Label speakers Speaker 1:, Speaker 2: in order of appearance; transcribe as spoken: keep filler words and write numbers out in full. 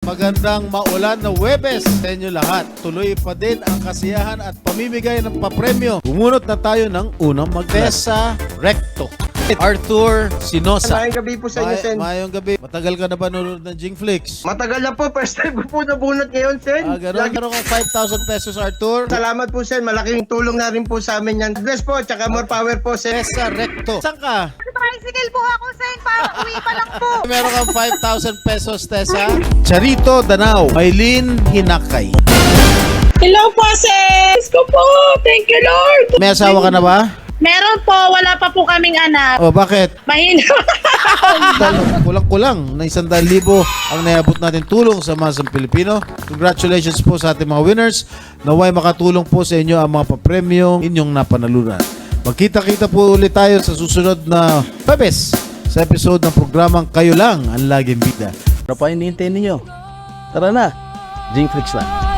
Speaker 1: Magandang maulan na Huwebes sa inyo lahat. Tuloy pa din ang kasiyahan at pamimigay ng papremyo. Bumunot na tayo ng unang mag-Tessa Recto. Arthur Sinosa.
Speaker 2: Mayong gabi po sa inyo,
Speaker 1: May,
Speaker 2: Sen.
Speaker 1: mayong gabi. Matagal ka na ba nanonood ng Jingflix?
Speaker 2: Matagal na po. First time ko po nabunot ngayon, Sen.
Speaker 1: Ah, ganun.
Speaker 2: Lagi-
Speaker 1: Meron kang five thousand pesos, Arthur.
Speaker 2: Salamat po, Sen. Malaking tulong na rin po sa amin yan. Bless po, tsaka more power po, Sen.
Speaker 1: Tessa Recto. Saan ka?
Speaker 3: Tricycle po ako, Sen, para uwi pa lang po.
Speaker 1: Meron kang five thousand pesos, Tessa. Charito Danao. Maylin Hinakay.
Speaker 4: Hello po, sis! Ko po! Thank you, Lord!
Speaker 1: May asawa ka na ba?
Speaker 4: Meron po, wala pa po kaming anak.
Speaker 1: O, bakit?
Speaker 4: Mahina.
Speaker 1: Dal- Kulang-kulang na isang daan libo ang naiabot natin tulong sa masang Pilipino. Congratulations po sa ating mga winners. Naway makatulong po sa inyo ang mga papremyo inyong napanalunan. Magkita-kita po ulit tayo sa susunod na Huwebes sa episode ng programang Kayo Lang ang Laging Bida.
Speaker 5: Ano pa hinihintay ninyo? Tara na, Jingflix na.